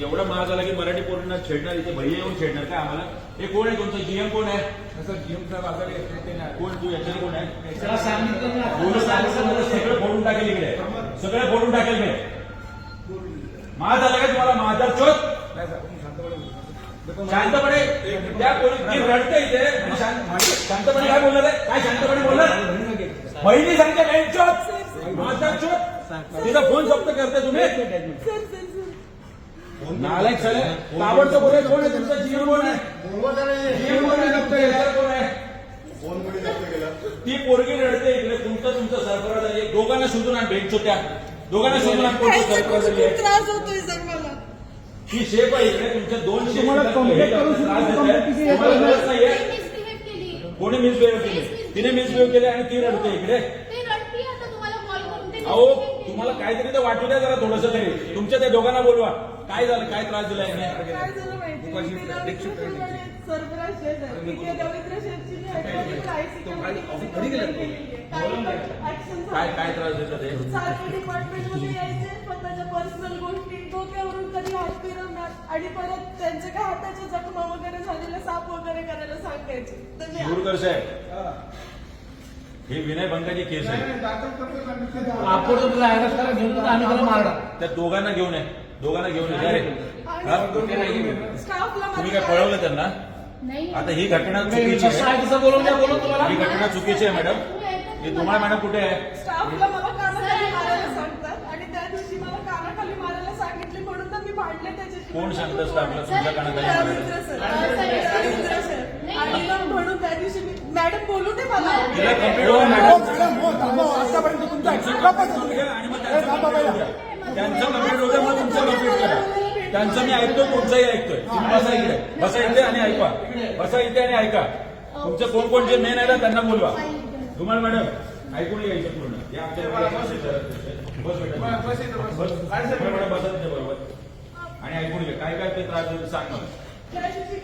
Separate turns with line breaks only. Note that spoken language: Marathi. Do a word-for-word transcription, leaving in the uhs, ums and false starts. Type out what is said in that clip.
एवढा महाग झाला की मराठी पोरांना छेडणार, इथे भैया येऊन छेडणार काय आम्हाला? हे कोण आहे तुमचं जीएम कोण आहे?
जीएम साहेब आजारी
कोण तू याच्यात कोण आहे?
त्याला सांगितलं ना
बोलत आलं सगळं फोडून टाकेल इकडे, सगळं फोडून टाकेल मी. महाग झाला का तुम्हाला महादार चोत? शांतपणे त्या पोलीस रडते इथे आणि शांतपणे काय बोलणार आहे? काय शांतपणे बोलणार? बहिणी सांगते बहीण चोत, महादार चोत. तिचा फोन जप्त करते तुम्ही. नालायक सर ताबडतोब बोले. कोण आहे तुमचा जीवन? कोण आहे? जीवन कोण आहे? जप्त केला कोण आहे? ती पोरगी रडते इकडे. तुमचं तुमचं सरफराज आहे. दोघांना शोधून आण भेटतो त्या दोघांना शोधून आण. कोणतं सरफराज आहे?
त्रास होतोय सर मला.
ही शेप आहे इकडे. तुमच्या दोन शेप
तुम्हाला कंप्लेंट करून
त्रास देत आहे. तुम्हाला गरज नाहीये. कोणी मिसबिहेव केले? तिने मिसबिहेव केले आणि ती रडते इकडे. अहो तुम्हाला काहीतरी तर वाटू द्या जरा थोडस तरी. तुमच्या त्या दोघांना बोलवा. काय झालं? काय त्रास दिला याने?
काय झालं माहिती सरफराज शेठ आहे. तिथे रवींद्र शेठची
काय काय त्रास देतात हे?
सारखे डिपार्टमेंटमध्ये यायचे, स्वतःच्या पर्सनल गोष्टी डोक्यावरून कधी हात फिरवणार आणि परत त्यांच्या काय हाताच्या जखमा वगैरे झालेल्या साप वगैरे करायला सांगायचे. तर मी
शिरूरकर साहेब, ही विनयभंगाची केस आहे.
आपण तुला अरेस्ट करा घेऊन आम्ही त्याला मारणार.
त्या दोघांना घेऊन ये. दोघांना घेऊन ये. अरे हा?
स्टाफला
तुम्ही काय पळवलं त्यांना? आता ही घटना चुकीची
कसं
आहे.
आहे तसं बोलून द्या बोलून तुम्हाला.
ही घटना चुकीची आहे मॅडम. ही तुम्हाला मॅडम कुठे आहे?
स्टाफला मला कानाखाली मारायला सांगतात आणि त्या दिवशी मला कानाखाली मारायला सांगितले म्हणून तर मी भांडले त्याच्याशी.
कोण सांगतं स्टाफला तुमच्या कानाखाली
रवींद्र
मारायला?
Sir, Ravindra sir. आणि मग म्हणून त्या दिवशी मी मॅडम बोलू दे मला.
तिला कंप्लेंट हो मॅडम.
आतापर्यंत तुमचा
आणि मग त्यांचं कंप्लेंट होऊ द्या. त्यांचं कंप्लेंट होऊ द्या, मग तुमचं कंप्लेंट करा. त्यांचं मी ऐकतोय, तुमचंही ऐकतोय. तुम्ही बसा इकडे. बसा इथे आणि ऐका. बसा इथे आणि ऐका. तुमचं कोण कोण जे मेन आहे ना त्यांना बोलवा. तुम्हाला मॅडम ऐकून घ्यायचं पूर्ण. हे आमच्या बस बेटा बस मॅडम बसा तिथे बरोबर आणि ऐकून घ्या. काय काय ते त्रास देतो सांग मला.
त्या दिवशी